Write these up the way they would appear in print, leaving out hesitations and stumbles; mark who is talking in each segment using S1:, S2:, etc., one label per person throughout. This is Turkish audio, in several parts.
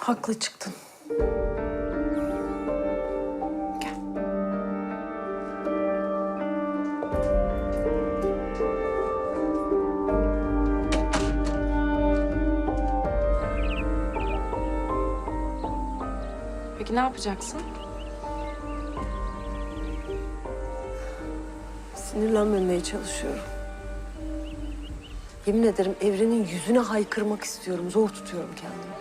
S1: Haklı çıktın. Gel.
S2: Peki ne yapacaksın?
S1: Sinirlenmemeye çalışıyorum. Yemin ederim Evren'in yüzüne haykırmak istiyorum. Zor tutuyorum kendimi.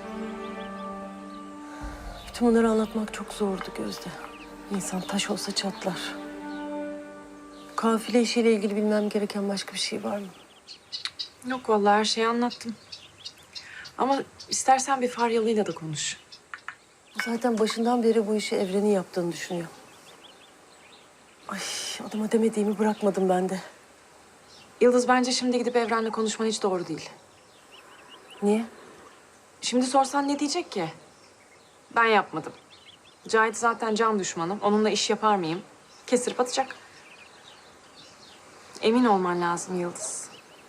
S1: Bütün bunları anlatmak çok zordu Gözde. İnsan taş olsa çatlar. Kafile işiyle ilgili bilmem gereken başka bir şey var mı?
S2: Yok vallahi her şeyi anlattım. Ama istersen bir Faryalı'yla da konuş.
S1: Zaten başından beri bu işi Evren'in yaptığını düşünüyor. Ay, adama demediğimi bırakmadım ben de.
S2: Yıldız bence şimdi gidip Evren'le konuşman hiç doğru değil.
S1: Niye?
S2: Şimdi sorsan ne diyecek ki? Ben yapmadım. Cahit zaten can düşmanım. Onunla iş yapar mıyım? Kestirip atacak. Emin olman lazım Yıldız.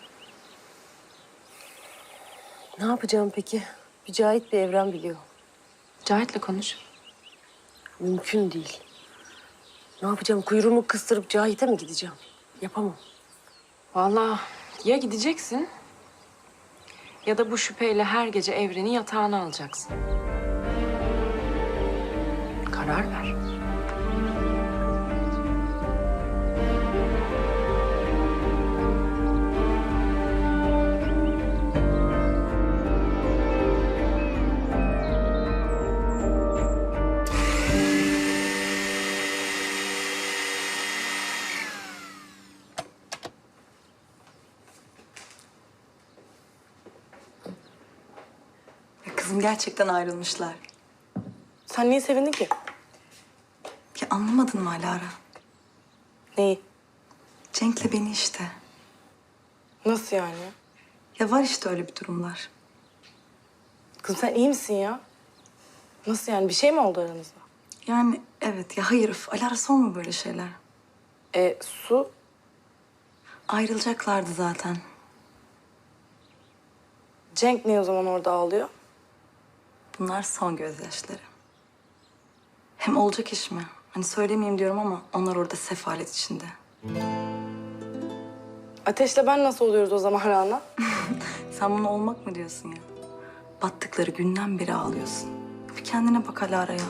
S1: Ne yapacağım peki? Bir Cahit bir Evren biliyor.
S2: Cahit'le konuş.
S1: Mümkün değil. Ne yapacağım? Kuyruğumu kıstırıp Cahit'e mi gideceğim? Yapamam.
S2: Vallahi ya gideceksin ya da bu şüpheyle her gece Evren'i yatağına alacaksın. Karar ver.
S3: Kızım gerçekten ayrılmışlar.
S4: Sen niye sevindin ki?
S3: Ya anlamadın mı Alara?
S4: Neyi?
S3: Cenk'le beni işte.
S4: Nasıl yani?
S3: Ya var işte öyle bir durumlar.
S4: Kızım sen iyi misin ya? Nasıl yani? Bir şey mi oldu aranızda?
S3: Yani evet ya hayır Alara sorma böyle şeyler.
S4: Su?
S3: Ayrılacaklardı zaten.
S4: Cenk niye o zaman orada ağlıyor?
S3: Bunlar son gözyaşları. Hem olacak iş mi? Hani söylemeyeyim diyorum ama onlar orada sefalet içinde.
S4: Ateş'le ben nasıl oluyoruz o zaman Rana?
S3: Sen bunu olmak mı diyorsun ya? Battıkları günden beri ağlıyorsun. Bir kendine bak Alara ya.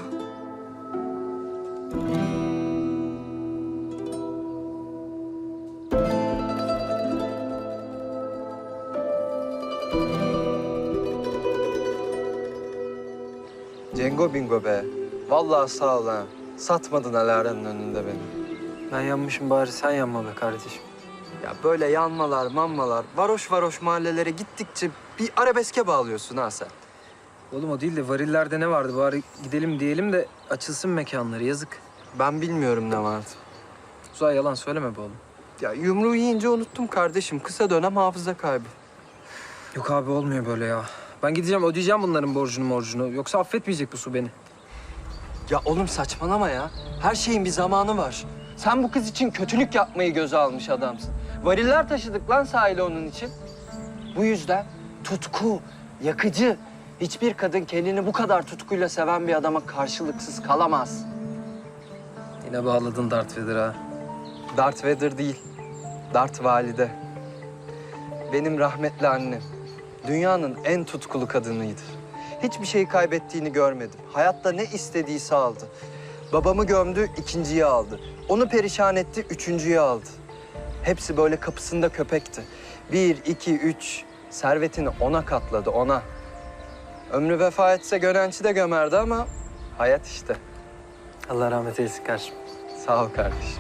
S5: Cengo bingo be. Vallahi sağ ol ha. Satmadın Alara'nın önünde beni.
S6: Ben yanmışım bari sen yanma be kardeşim.
S5: Ya böyle yanmalar, manmalar, varoş varoş mahallelere gittikçe bir arabeske bağlıyorsun ha sen.
S6: Oğlum o değil de varillerde ne vardı bari gidelim diyelim de açılsın mekanları yazık.
S5: Ben bilmiyorum ne vardı.
S6: Uzay yalan söyleme be oğlum.
S5: Ya yumruğu yiyince unuttum kardeşim. Kısa dönem hafıza kaybı.
S6: Yok abi olmuyor böyle ya. Ben gideceğim ödeyeceğim bunların borcunu. Yoksa affetmeyecek bu su beni.
S5: Ya oğlum saçmalama ya. Her şeyin bir zamanı var. Sen bu kız için kötülük yapmayı göze almış adamsın. Variller taşıdık lan sahile onun için. Bu yüzden tutku, yakıcı. Hiçbir kadın kendini bu kadar tutkuyla seven bir adama karşılıksız kalamaz.
S6: Yine bağladın Darth Vader ha.
S5: Darth Vader değil, Darth Valide. Benim rahmetli annem. Dünyanın en tutkulu kadınıydı. Hiçbir şeyi kaybettiğini görmedim. Hayatta ne istediyse aldı. Babamı gömdü, ikinciyi aldı. Onu perişan etti, üçüncüyü aldı. Hepsi böyle kapısında köpekti. Bir, iki, üç. Servetini ona katladı, ona. Ömrü vefa etse Gönenç'i de gömerdi ama hayat işte.
S6: Allah rahmet eylesin kardeşim.
S5: Sağ ol kardeşim.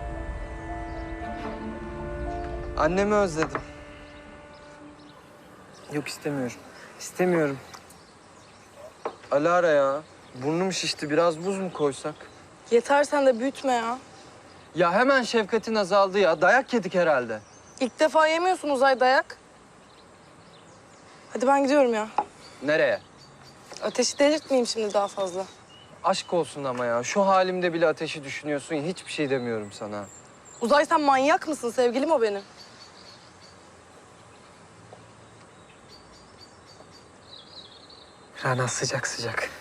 S5: Annemi özledim.
S6: Yok istemiyorum. İstemiyorum.
S5: Alara ya, burnum şişti. Biraz buz mu koysak?
S4: Yeter sen de büyütme ya.
S5: Ya hemen şefkatin azaldı ya. Dayak yedik herhalde.
S4: İlk defa yemiyorsun Uzay dayak. Hadi ben gidiyorum ya.
S5: Nereye?
S4: Ateşi delirtmeyeyim şimdi daha fazla.
S5: Aşk olsun ama ya. Şu halimde bile ateşi düşünüyorsun ya. Hiçbir şey demiyorum sana.
S4: Uzay sen manyak mısın? Sevgilim o benim.
S6: Rana sıcak sıcak.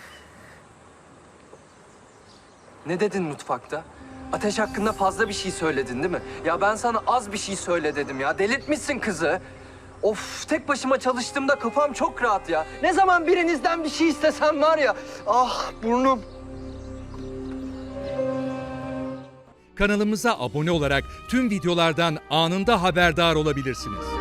S5: Ne dedin mutfakta? Ateş hakkında fazla bir şey söyledin değil mi? Ya ben sana az bir şey söyle dedim ya. Delirtmişsin kızı. Of, tek başıma çalıştığımda kafam çok rahat ya. Ne zaman birinizden bir şey istesem var ya. Ah burnum.
S7: Kanalımıza abone olarak tüm videolardan anında haberdar olabilirsiniz.